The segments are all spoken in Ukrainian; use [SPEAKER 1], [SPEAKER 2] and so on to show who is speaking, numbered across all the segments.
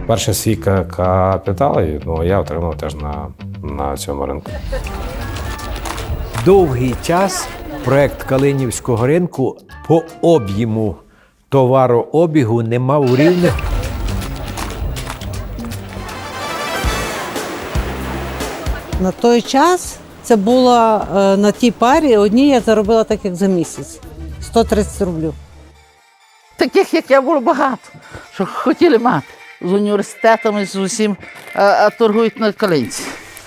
[SPEAKER 1] Перший свій капітал, я отримав теж на цьому ринку.
[SPEAKER 2] Довгий час проект Калинівського ринку по об'єму товарообігу не мав рівних.
[SPEAKER 3] На той час це було на тій парі, одній я заробила так, як за місяць. 130 рублів.
[SPEAKER 4] Таких, як я, було багато, що хотіли мати. З університетами, з усім, а торгують на Калинці.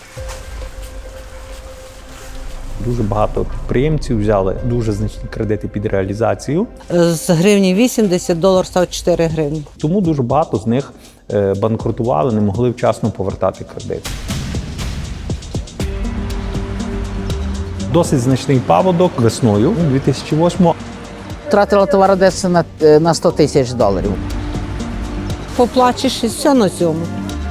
[SPEAKER 5] Дуже багато підприємців взяли дуже значні кредити під реалізацію.
[SPEAKER 3] З гривні 80 долар став 4 гривні.
[SPEAKER 5] Тому дуже багато з них банкрутували, не могли вчасно повертати кредит. Досить значний паводок весною 2008-го.
[SPEAKER 4] Втратила товар десь на 100 тисяч доларів.
[SPEAKER 3] Поплачеш і все на цьому.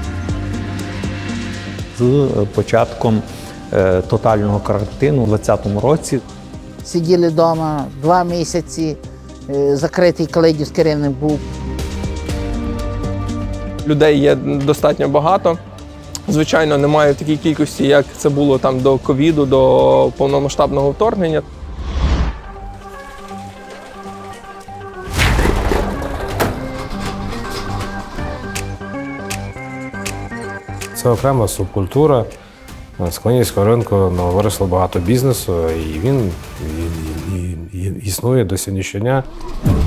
[SPEAKER 5] З початком тотального карантину у 2020 році
[SPEAKER 4] Сиділи вдома 2 місяці, закритий Калинівський ринок був.
[SPEAKER 6] Людей є достатньо багато. Звичайно, немає в такій кількості, як це було там до ковіду, до повномасштабного вторгнення.
[SPEAKER 1] Це окрема субкультура. З Калинівського ринку виросло багато бізнесу, і він існує до сьогоднішнього дня.